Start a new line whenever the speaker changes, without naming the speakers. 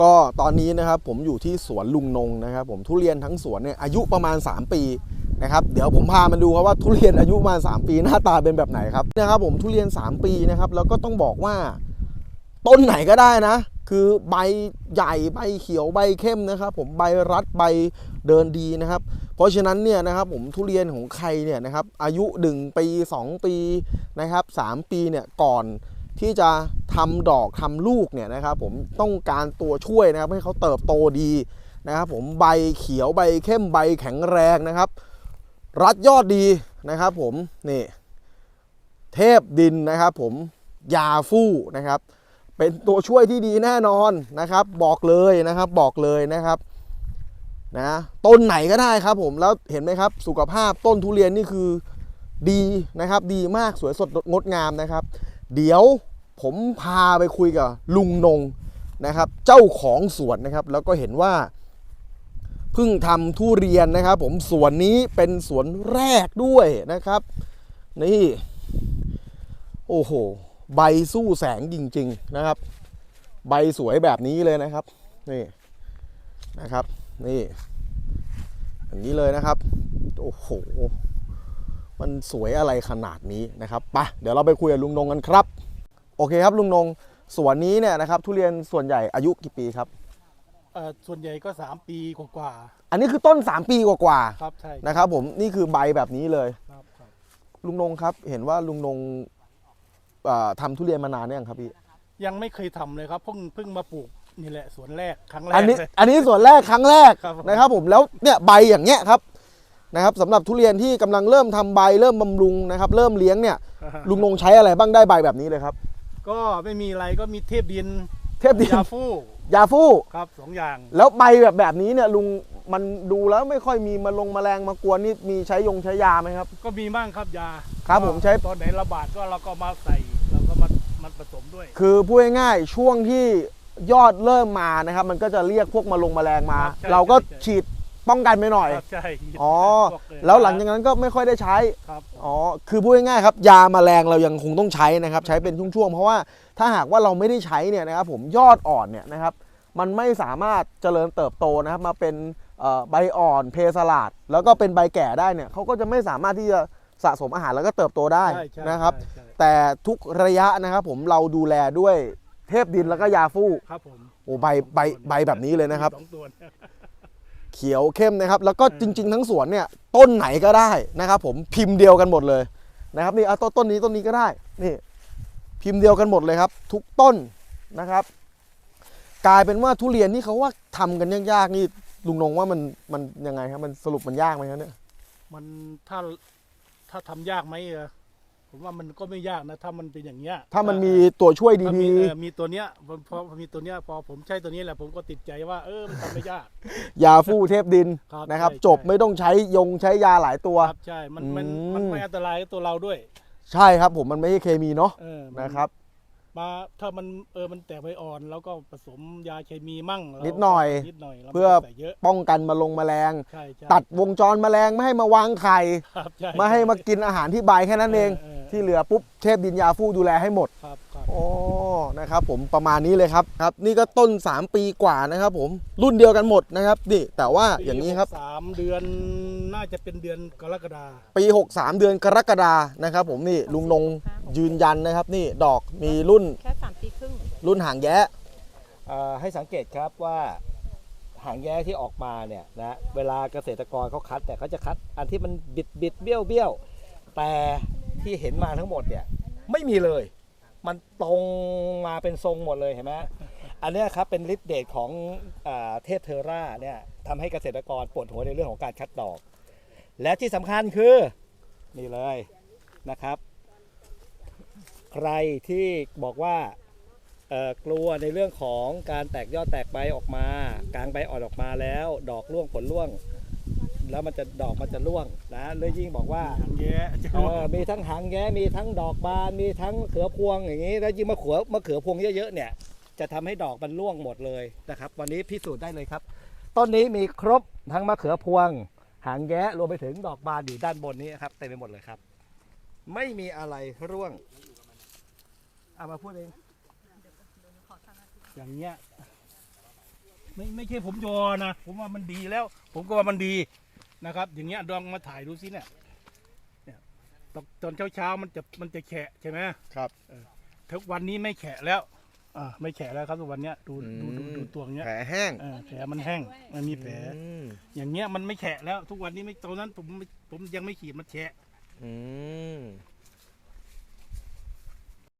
ก็ตอนนี้นะครับผมอยู่ที่สวนลุงนงนะครับผมทุเรียนทั้งสวนเนี่ยอายุประมาณ3ปีนะครับเดี๋ยวผมพามาดูครับว่าทุเรียนอายุประมาณ3ปีหน้าตาเป็นแบบไหนครับนะครับผมทุเรียน3ปีนะครับแล้วก็ต้องบอกว่าต้นไหนก็ได้นะคือใบใหญ่ใบเขียวใบเข้มนะครับผมใบรัดใบเดินดีนะครับเพราะฉะนั้นเนี่ยนะครับผมทุเรียนของใครเนี่ยนะครับอายุ1ปี2ปีนะครับ3ปีเนี่ยก่อนที่จะทำดอกทำลูกเนี่ยนะครับผมต้องการตัวช่วยนะครับให้เขาเติบโตดีนะครับผมใบเขียวใบเข้มใบแข็งแรงนะครับรัดยอดดีนะครับผมนี่เทพดินนะครับผมยาฟู่นะครับเป็นตัวช่วยที่ดีแน่นอนนะครับบอกเลยนะครับบอกเลยนะครับนะต้นไหนก็ได้ครับผมแล้วเห็นไหมครับสุขภาพต้นทุเรียนนี่คือดีนะครับดีมากสวยสดงดงามนะครับเดี๋ยวผมพาไปคุยกับลุงนงนะครับเจ้าของสวนนะครับแล้วก็เห็นว่าเพิ่งทำทุเรียนนะครับผมสวนนี้เป็นสวนแรกด้วยนะครับนี่โอ้โหใบสู้แสงจริงๆนะครับใบสวยแบบนี้เลยนะครับนี่นะครับนี่อย่างนี้เลยนะครับโอ้โหมันสวยอะไรขนาดนี้นะครับไปเดี๋ยวเราไปคุยกับลุงนงกันครับโอเคครับลุงนงสวนนี้เนี่ยนะครับทุเรียนส่วนใหญ่อายุกี่ปีครับ
ส่วนใหญ่ก็3ปีกว่า
อันนี้คือต้น3ปีกว่า
ๆครับใช่
นะครับผมนี่คือใบแบบนี้เลย
ครับ
ลุงนงครับเห็นว่าลุงนงทำทุเรียนมานานเนี่ยงครับพี่
ยังไม่เคยทำเลยครับเพิ่งมาปลูกนี่แหละสวนแรกครั้งแรก
อันนี้
เลย
ส่วนแรกครั้งแรก
ครับ
นะครับผมแล้วเนี่ยใบอย่างเงี้ยครับนะครับสำหรับทุเรียนที่กำลังเริ่มทำใบเริ่มบำรุงนะครับเริ่มเลี้ยงเนี่ยลุงนงใช้อะไรบ้างได้ใบแบบนี้เลยครับ
ก็ไม่มีอะไรก็มีเทพดิน
เทพดิน
ยาฟู่
ยาฟู่
ครับ2อย่าง
แล้วใบแบบนี้เนี่ยลุงมันดูแล้วไม่ค่อยมีแมลงมากวนนี่มีใช้ใช้ยาไหมครับ
ก็มีบ้างครับยา
ครับผมใช้
ตอนไหนระบาดก็เราก็มาใส่เราก็มาผสมด้วย
คือพูดง่ายๆช่วงที่ยอดเริ่มมานะครับมันก็จะเรียกพวกแมลงมาเราก็ฉีดป้องกันไปหน่อย
ใช่
อ๋อแล้วหลังจากนั้นก็ไม่ค่อยได้ใช้
ครับ
อ๋อคือพูดง่ายๆครับยาแมลงเรายังคงต้องใช้นะครับใช้เป็นช่วงๆเพราะว่าถ้าหากว่าเราไม่ได้ใช้เนี่ยนะครับผมยอดอ่อนเนี่ยนะครับมันไม่สามารถเจริญเติบโตนะครับมาเป็นใบอ่อนเพสลาดแล้วก็เป็นใบแก่ได้เนี่ยเขาก็จะไม่สามารถที่จะสะสมอาหารแล้วก็เติบโตได้นะครับแต่ทุกระยะนะครับผมเราดูแลด้วยเทพดินแล้วก็ยาฟู่
ครับผม
โอ้ใบแบบนี้เลยนะครับ
2 ตัว
เขียวเข้มนะครับแล้วก็จริงๆทั้งสวนเนี่ยต้นไหนก็ได้นะครับผมพิมพ์เดียวกันหมดเลยนะครับนี่เอาต้นนี้ก็ได้นี่พิมพ์เดียวกันหมดเลยครับทุกต้นนะครับกลายเป็นว่าทุเรียนที่เขาว่าทำกันยากๆนี่ลุงนงว่ามันยังไงครับมันสรุปมันยากไหมครับเนี่ย
มันถ้าทำยากไหมผมว่ามันก็ไม่ยากนะถ้ามันเป็นอย่างเงี้ย
ถ้ามันมีตัวช่วยดี
มีตัวเนี้ยพอมีตัวเนี้ยพอผมใช้ตัวนี้แหละผมก็ติดใจว่ามันทำไม่ยาก
ยาฟู่เทพดินนะครับจบไม่ต้องใช้ใช้ยาหลายตัว
ใช่มันไม่อันตรายกับตัวเราด้วย
ใช่ครับผมมันไม่ใช่เคมีเนาะนะครับ
มาถ้ามันแตกใบอ่อนแล้วก็ผสมยาเคมีมั่ง
นิดหน่อยเพื่อป้องกันแมลงตัดวงจรแมลงไม่ให้มาวางไข่ไม่ให้มากินอาหารที่ใบแค่นั้นเองที่เหลือปุ๊บเทพดินยาฟู่ดูแลให้หมดโอ้นะครับผมประมาณนี้เลยครับนี่ก็ต้น3ปีกว่านะครับผมรุ่นเดียวกันหมดนะครับนี่แต่ว่าอย่างนี้ครับ
3 เดือนน่าจะเป็นเดือนกรกฎา
ปี63เดือนกรกฎานะครับผมนี่ลุงนงยืนยันนะครับนี่ดอกมีรุ่น
แค่3 ปีครึ่ง
รุ่นหางแย้
ให้สังเกตครับว่าหางแย้ที่ออกมาเนี่ยนะเวลาเกษตรกรเขาคัดแต่เขาจะคัดอันที่มันบิดเบี้ยวแต่ที่เห็นมาทั้งหมดเนี่ยไม่มีเลยมันตรงมาเป็นทรงหมดเลยเห็นไหมอันนี้ครับเป็นฤทธิ์เดชของเทพเทอร่าเนี่ยทำให้เกษตรกรปวดหัวในเรื่องของการคัดดอกและที่สำคัญคือนี่เลยนะครับใครที่บอกว่ากลัวในเรื่องของการแตกยอดแตกใบออกมากลางใบอ่อนออกมาแล้วดอกร่วงผลร่วงแล้วดอกมันจะร่วงนะเลยยิ่งบอกว่า
หางแย้
มีทั้งหางแย้มีทั้งดอกบานมีทั้งเขือพวงอย่างนี้แล้วยิ่งมะเขือพวงเยอะๆเนี่ยจะทำให้ดอกมันร่วงหมดเลยนะครับวันนี้พิสูจน์ได้เลยครับต้นนี้มีครบทั้งมะเขือพวงหางแย้รวมไปถึงดอกบานอยู่ด้านบนนี้ครับเต็มไปหมดเลยครับไม่มีอะไรร่วงเอามาพูดเอง
อย่างเงี้ยไม่ใช่ผมยอนะผมว่ามันดีแล้ว ผมก็ว่ามันดีนะครับ อย่างเงี้ยลองมาถ่ายดูสิเนี่ยตอนเช้ามันจะแฉะใช่ไหม
ครับ
ทุกวันนี้ไม่แฉะแล้วไม่แฉะแล้วครับทุกวันเนี้ยดูตัวเนี้ย
แผลแห้ง
แผลมันแห้งมันมีแผล
อืม
อย่างเงี้ยมันไม่แฉะแล้ว ทุกวันนี้ไม่ตอนนั้นผมยังไม่ขีดมันแฉะ
อืม